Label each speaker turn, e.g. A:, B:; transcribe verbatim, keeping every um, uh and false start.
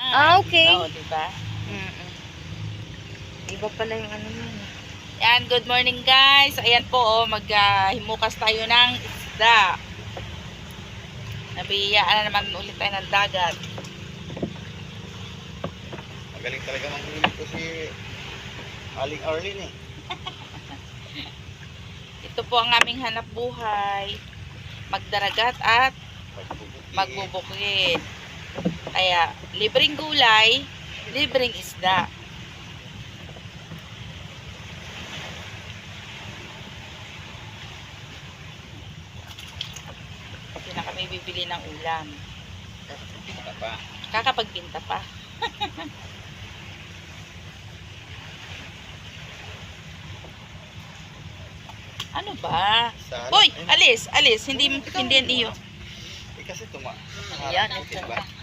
A: Ah, okay.
B: Oo, diba?
A: Mm-mm. Iba pala yung ano mo.
B: Yan, good morning guys. Ayan po, oh, maghimukas tayo ng isda. Nabiyaan na naman ulit tayo ng dagat.
C: Magaling talaga manghuli ko si Aling Arlene eh.
B: Ito po ang aming hanap buhay. Magdaragat at
C: Pagbubukid.
B: magbubukid. Kaya, libreng gulay, libreng isda. Hindi na kami bibili ng ulam.
C: Pinta pa.
B: Kakapagbinta pa. Ano ba?
C: Sa
B: Hoy,
C: Ayun.
B: alis, alis. Hindi,
C: Ikaw,
B: hindi yan iyo.
C: Eh kasi tuma.
A: Ayan,
C: harap ko,
A: ito
C: diba?
A: na.